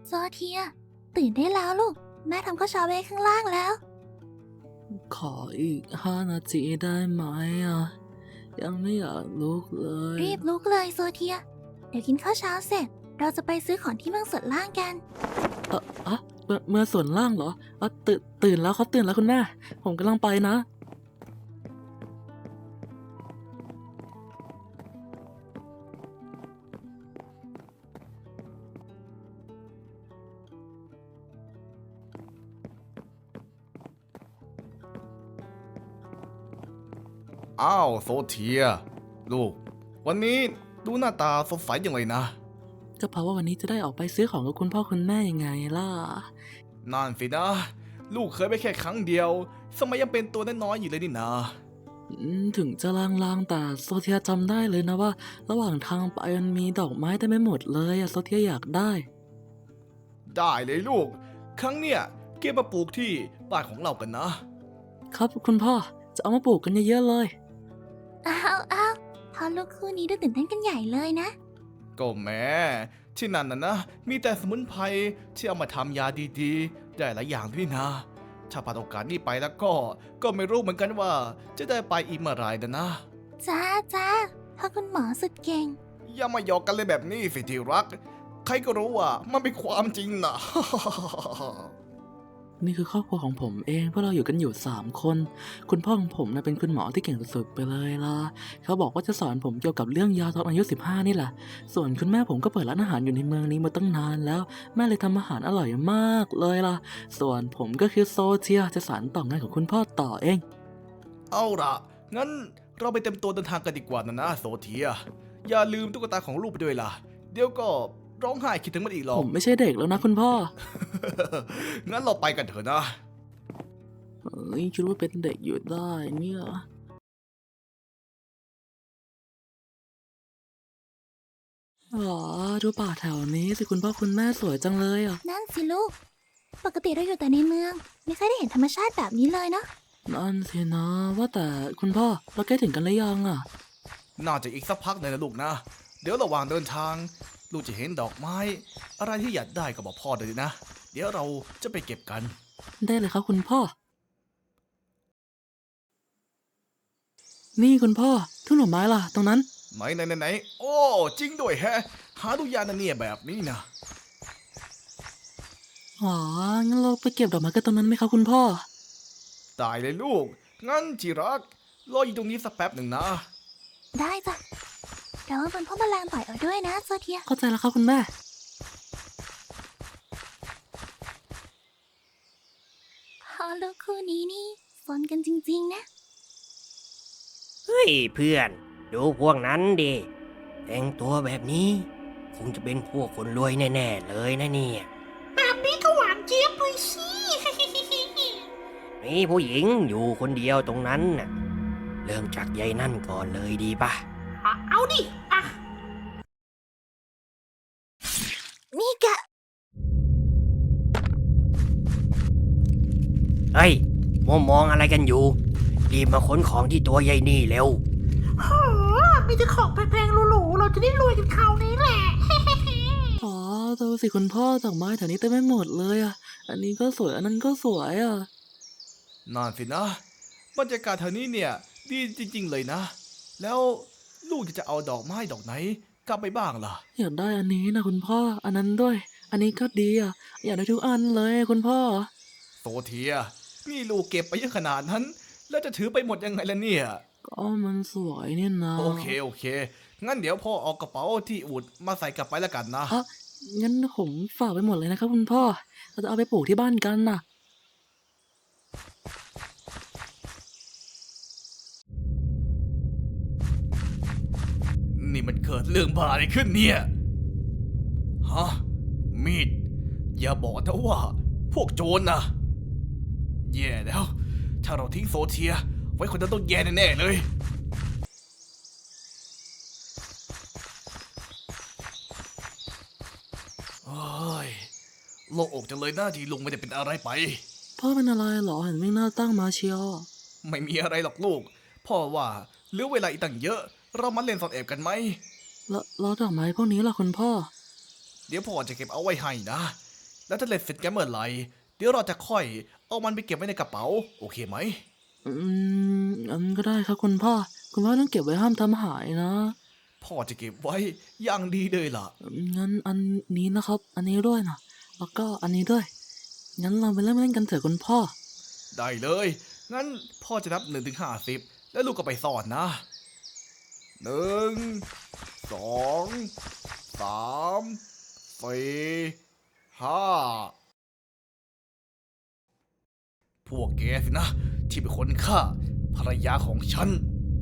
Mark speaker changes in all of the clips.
Speaker 1: โซเทียตื่นได้แล้วลูกแม่ทำข้าวเช้าไว้ข้างล่างแล้ว
Speaker 2: ขออีก5 นาทีได้ไหมอ่ะยังไม่อยากลุกเลย
Speaker 1: รีบลุกเลยโซเทียเดี๋ยวกินข้าวเช้าเสร็จเราจะไปซื้อของที่เมืองส่วนล่างกัน
Speaker 2: เมื่อส่วนล่างเหรอตื่นแล้วเขาตื่นแล้วคุณแม่ผมกำลังไปนะ
Speaker 3: อ้าวโซเทียลูกวันนี้ดูหน้าตาสดใสจังเลยนะ
Speaker 2: ก็เพราะว่าวันนี้จะได้ออกไปซื้อของกับคุณพ่อคุณแม่ยังไงล่ะ
Speaker 3: นั่นสินะลูกเคยไปแค่ครั้งเดียวสมัยยังเป็นตัวน้อยๆอยู่เลยนี่นะ
Speaker 2: ถึงจะลางๆแต่โซเทียจำได้เลยนะว่าระหว่างทางไปมันมีดอกไม้เต็มไปหมดเลยอะโซเทียอยากได้
Speaker 3: ได้เลยลูกครั้งเนี้ยเก็บมาปลูกที่บ้านของเรากันนะครับ
Speaker 2: คุณพ่อจะเอามาปลูกกันเยอะๆเลย
Speaker 1: อ้าวพอลูกคู่นี้ดูตื่นเต้นกันใหญ่เลยนะ
Speaker 3: ก็แม่ที่นั่นนะมีแต่สมุนไพรที่เอามาทำยาดีๆได้หลายอย่างด้วยนะถ้าพลาดโอกาสนี้ไปแล้วก็ไม่รู้เหมือนกันว่าจะได้ไปอีกเมื่อไหร่นะ
Speaker 1: จ้าพ่อคุณหมอสุดเก่ง
Speaker 3: อย่ามาหยอกกันเลยแบบนี้สิที่รักใครก็รู้ว่ามันเป็นความจริงนะ
Speaker 2: นี่คือครอบครัวของผมเองพวกเราอยู่กันอยู่3 คนคุณพ่อของผมนะเป็นคุณหมอที่เก่งสุดๆไปเลยล่ะเขาบอกว่าจะสอนผมเกี่ยวกับเรื่องยาตอนอายุ15นี่แหละส่วนคุณแม่ผมก็เปิดร้านอาหารอยู่ในเมืองนี้มาตั้งนานแล้วแม่เลยทำอาหารอร่อยมากเลยล่ะส่วนผมก็คือโซเทียจะสานต่องานของคุณพ่อต่อเอง
Speaker 3: เอาล่ะงั้นเราไปเต็มตัวเดินทางกันดีกว่านะโซเทียอย่าลืมตุ๊กตาของลูกไปด้วยล่ะเดี๋ยวก็ร้องไห้คิดถึงมันอีกหรอก
Speaker 2: ผมไม่ใช่เด็กแล้วนะคุณพ่อ
Speaker 3: งั้นเราไปกันเถอะนะ
Speaker 2: คิดว่าเป็นเด็กอยู่ได้เนี่ยอ๋อดูป่าแถวนี้สิคุณพ่อคุณแม่สวยจังเลยอ่ะ
Speaker 1: นั่นสิลูกปกติเราอยู่แต่ในเมืองไม่เคยได้เห็นธรรมชาติแบบนี้เลยเนาะ
Speaker 2: นั่นสินะว่าแต่คุณพ่อเราใกล้ถึงกันหรือยังอ่ะ
Speaker 3: น่าจะอีกสักพักหนึ่งนะลูกนะเดี๋ยวระหว่างเดินทางลูกจะเห็นดอกไม้อะไรที่อยากได้ก็บอกพ่อเลยนะเดี๋ยวเราจะไปเก็บกัน
Speaker 2: ได้เลยครับคุณพ่อ นี่คุณพ่อทุ่งดอกไม้ล่ะตรงนั้น
Speaker 3: ไหนโอ้จริงด้วยแฮะหาดูยากนะเนี่ยแบบนี้นะ
Speaker 2: อ๋องั้นเราไปเก็บดอกไม้กันตรงนั้นไหมครับคุณพ่อ
Speaker 3: ตายเลยลูกงั้นจิรักรออยู่ตรงนี้สักแป๊บหนึ่งนะ
Speaker 1: ได้จ้ะระวังเป็นพ่อแมลงต่อยเอาด้วยนะโซเทีย
Speaker 2: เข้าใจแล้วครับคุณแม่
Speaker 1: พอลูกคู่นี้นี่สนกันจริงๆนะ
Speaker 4: เฮ้ยเพื่อนดูพวกนั้นดิแต่งตัวแบบนี้คงจะเป็นพวกคนรวยแน่ๆเลยนะเนี่ย
Speaker 5: แบบนี้ก็หวานเจี๊ยบเลยสิ
Speaker 4: มีผู้หญิงอยู่คนเดียวตรงนั้นน่ะเริ่มจากยายนั่นก่อนเลยดีป่ะ
Speaker 5: เอาดิอ่ะ
Speaker 1: นี่กะ
Speaker 4: เฮ้ยมองอะไรกันอยู่รีบมาขนของที่ตัวยายนี่เร็ว
Speaker 5: โหมีแต่ของแพงๆหรูๆเราจะได้รวยกันคราวนี้แหละ
Speaker 2: อ๋อดูสิคุณพ่อดอกไม้แถวนี้เต็มไปหมดเลยอ่ะ อันนี้ก็สวยอันนั้นก็สวยอ่ะ
Speaker 3: นั่นสินะบรรยากาศแถวนี้เนี่ยดีจริงๆเลยนะ แล้วลูกจะเอาดอกไม้ดอกไหนกลับไปบ้างล่ะ
Speaker 2: อยากได้อันนี้นะคุณพ่อ อันนั้นด้วย อันนี้ก็ดีอ่ะ อยากได้ทุกอันเลยคุณพ่อ
Speaker 3: โซเทียนี่ลูกเก็บไปเยอะขนาดนั้น แล้วจะถือไปหมดยังไงล่ะเนี่ย
Speaker 2: ก็มันสวยนี่นะ
Speaker 3: โอเคงั้นเดี๋ยวพ่อเอากระเป๋าที่อุดมาใส่กลับไปแล้วกันนะ
Speaker 2: อ่ะงั้นผมฝากไปหมดเลยนะครับคุณพ่อ เราจะเอาไปปลูกที่บ้านกันน่ะ
Speaker 3: นี่มันเกิดเรื่องบ้าอะไรขึ้นเนี่ยฮะมีดอย่าบอกนะว่าพวกโจรนะแย่แล้ว ถ้าเราทิ้งโซเทียไว้คนนั้นต้องแย่แน่ๆเลยโอ้ยโล่งอกจังเลยนะที่ลุงไม่ได้เป็นอะไรไป
Speaker 2: พ่อเป็นอะไรเหรอเห็นวิ่งหน้าตั้งมาเชียว
Speaker 3: ไม่มีอะไรหรอกลูก พ่อว่าเหลือเวลาอีกตั้งเยอะ เรามาเล่นซ่อนแอบกันไหม
Speaker 2: แล้วดอกไม้พวกนี้ล่ะคุณพ่อ
Speaker 3: เดี๋ยวพ่อจะเก็บเอาไว้ให้นะแล้วถ้าเล่นเสร็จกันเมื่อไหร่เดี๋ยวเราจะค่อยเอามันไปเก็บไว้ในกระเป๋าโอเคไหม
Speaker 2: งั้นก็ได้ครับคุณพ่อต้องเก็บไว้ห้ามทำหายนะ
Speaker 3: พ่อจะเก็บไว้อย่างดีเลยล่ะ
Speaker 2: งั้นอันนี้นะครับ อันนี้ด้วยนะแล้วก็อันนี้ด้วย งั้นเราไปเริ่มเล่นกันเถอะคุณพ่อ
Speaker 3: ได้เลย งั้นพ่อจะนับ1 ถึง 50แล้วลูกก็ไปซ่อนนะ1 2 3 4 5พวกแกสินะ ที่เป็นคนฆ่าภรรยาของฉัน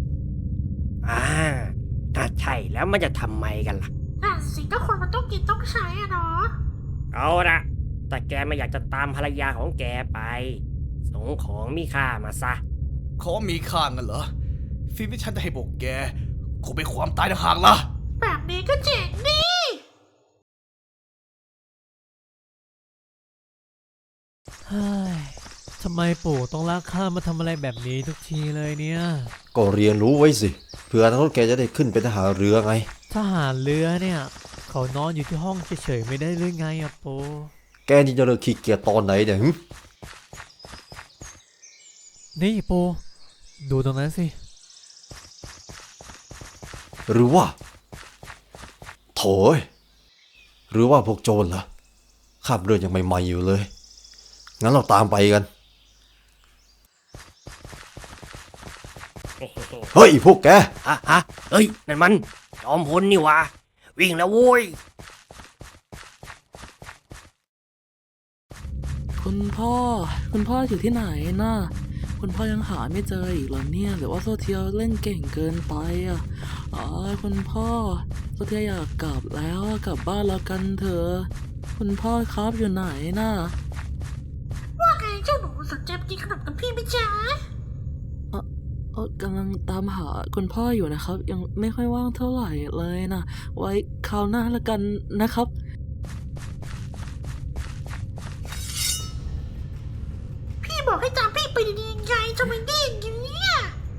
Speaker 4: ถ้าใช่แล้วมันจะทำไมกันล่ะ
Speaker 5: น่ะสิก็คนมันต้องกินต้องใช้อะเนาะ
Speaker 4: เอาละแต่แกไม่อยากจะตามภรรยาของแกไป ส่งของมีค่ามาซะ
Speaker 3: ขอมีค่างันเหรอสิ่งที่ฉันจะให้พวกแกคงเป็นความตายต่างหากล่ะ
Speaker 5: แบบนี้ก็เจ๋งดี
Speaker 6: เฮ้ย ทำไมปู่ต้องลากข้ามาทำอะไรแบบนี้ทุกทีเลยเนี่ย
Speaker 7: ก็เรียนรู้ไว้สิเผื่ออนาคตแกจะได้ขึ้นเป็นทหารเรือไง
Speaker 6: ทหารเรือเนี่ย เขานอนอยู่ที่ห้องเฉยๆไม่ได้หรือไงอะปู่
Speaker 7: แกนี่จะเลิกขี้เกียจตอนไหนเนี่ยหึ
Speaker 6: นี่ปู่ดูตรงนั้นสิ
Speaker 7: หรือว่าโถยหรือว่าพวกโจรเหรอขับเรือยังใหม่ๆอยู่เลยงั้นเราตามไปกัน เฮ้ยพวกแก
Speaker 4: เฮ้ย นั่นมันจอมพลนี่หวะวิ่งแล้วโว้ย
Speaker 2: คุณพ่ออยู่ที่ไหนน่ะคุณพ่อยังหาไม่เจออีกเหรอเนี่ยหรือว่าโซเทียเล่นเก่งเกินไปอ่ะคุณพ่อโซเทียอยากกลับแล้วกลับบ้านแล้วกันเถอะคุณพ่อครับอยู่ไหนน่ะ
Speaker 5: ว่าไงเจ้าหนูสนใจไปกินขนมกับพี่ไหมจ๊ะ
Speaker 2: กำลังตามหาคุณพ่ออยู่นะครับ ยังไม่ค่อยว่างเท่าไหร่เลยนะไว้คราวหน้าละกันนะครับ
Speaker 5: พี่บอกให้ตามพี่ไปดีๆไงจะไม่ได้อย่างนี้เนี่ย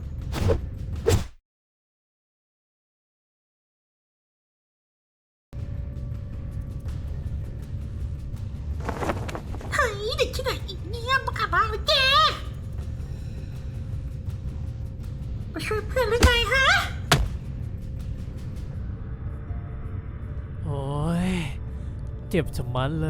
Speaker 5: เฮ้ยเด็กที่ไหนอีกเนี่ยมาขับบ้านเลยแกมาช่วยเพื่อนหรือไงฮะ
Speaker 6: โอ้ย เจ็บชะมัดเลย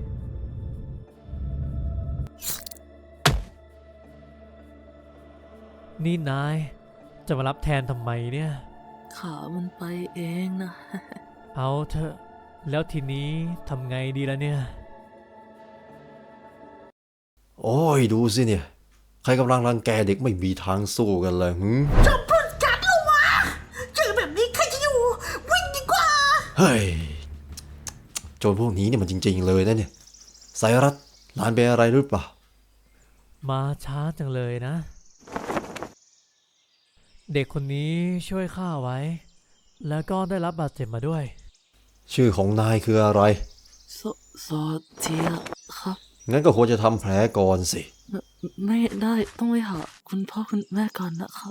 Speaker 6: นี่นาย จะมารับแทนทำไมเนี่ย
Speaker 2: ขามันไปเองนะ
Speaker 6: เอาเถอะ แล้วทีนี้ทำไงดีล่ะเนี่ย
Speaker 7: โอ้ยดูสิเนี่ยใครกำลังรังแกเด็กไม่มีทางสู้กันเลยหึ
Speaker 5: จอมพลกัดแล้ววะเจอแบบนี้ใครจะอยู่วิ่งดีกว่า
Speaker 7: เฮ้ยโจรพวกนี้เนี่ยมันจริงๆเลยนะเนี่ยสายรัดหลานเป็นอะไรหรือเปล่า
Speaker 6: มาช้าจังเลยนะ เด็กคนนี้ช่วยข้าไว้ แล้วก็ได้รับบาดเจ็บมาด้วย
Speaker 7: ชื่อของนายคืออะไร
Speaker 2: โซเทียครับ
Speaker 7: งั้นก็ควรจะทำแผลก่อนสิ
Speaker 2: ไม่ได้ต้องไปหาคุณพ่อคุณแม่ก่อนนะครับ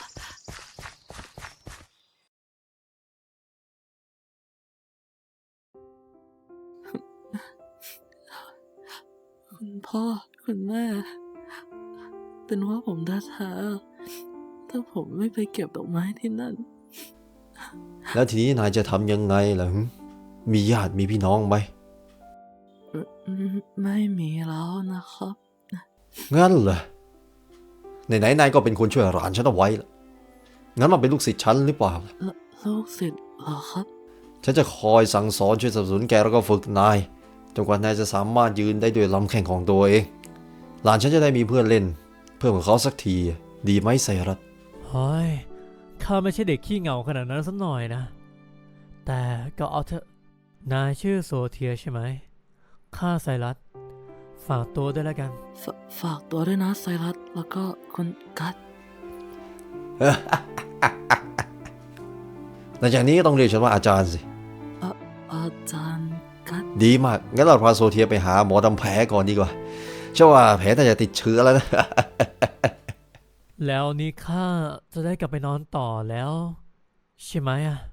Speaker 2: คุณพ่อคุณแม่ เป็นว่าผมแท้ๆถ้าผมไม่ไปเก็บดอกไม้ที่นั่น
Speaker 7: แล้วทีนี้นายจะทำยังไงล่ะหึมีญาติมีพี่น้องไหม
Speaker 2: ไม่มีแล้วนะครับ
Speaker 7: งั้นเหรอไหนๆนายก็เป็นคนช่วยหลานฉันเอาไว้ล่ะงั้นมาเป็นลูกศิษย์ฉันหรือเปล่า
Speaker 2: ลูกศิษย์เหรอครับ
Speaker 7: ฉันจะคอยสั่งสอนช่วยสนับสนุนแกแล้วก็ฝึกนายจนกว่านายจะสามารถยืนได้ด้วยลำแข้งของตัวเองหลานฉันจะได้มีเพื่อนเล่น เพื่อนของเขาสักทีดีไหมไซรัส
Speaker 6: เฮ้ย ข้าไม่ใช่เด็กขี้เหงาขนาดนั้นสักหน่อยนะ แต่ก็เอาเถอะ นายชื่อโซเทียใช่ไหม ข้าไซรัส ฝากตัวด้วยแล้วกัน
Speaker 2: ฝากตัวด้วยนะไซรัสแล้วก็คุณกัต
Speaker 7: หลังจากนี้ก็ต้องเรียกฉันว่าอาจารย์สิ
Speaker 2: อาจารย์กัต
Speaker 7: ดีมาก งั้นเราพาโซเทียไปหาหมอทำแผลก่อนดีกว่าเชื่อว่าแผลน่าจะติดเชื้อแล้วนะ
Speaker 6: แล้วนี้ข้าจะได้กลับไปนอนต่อแล้ว ใช่ไหมอะ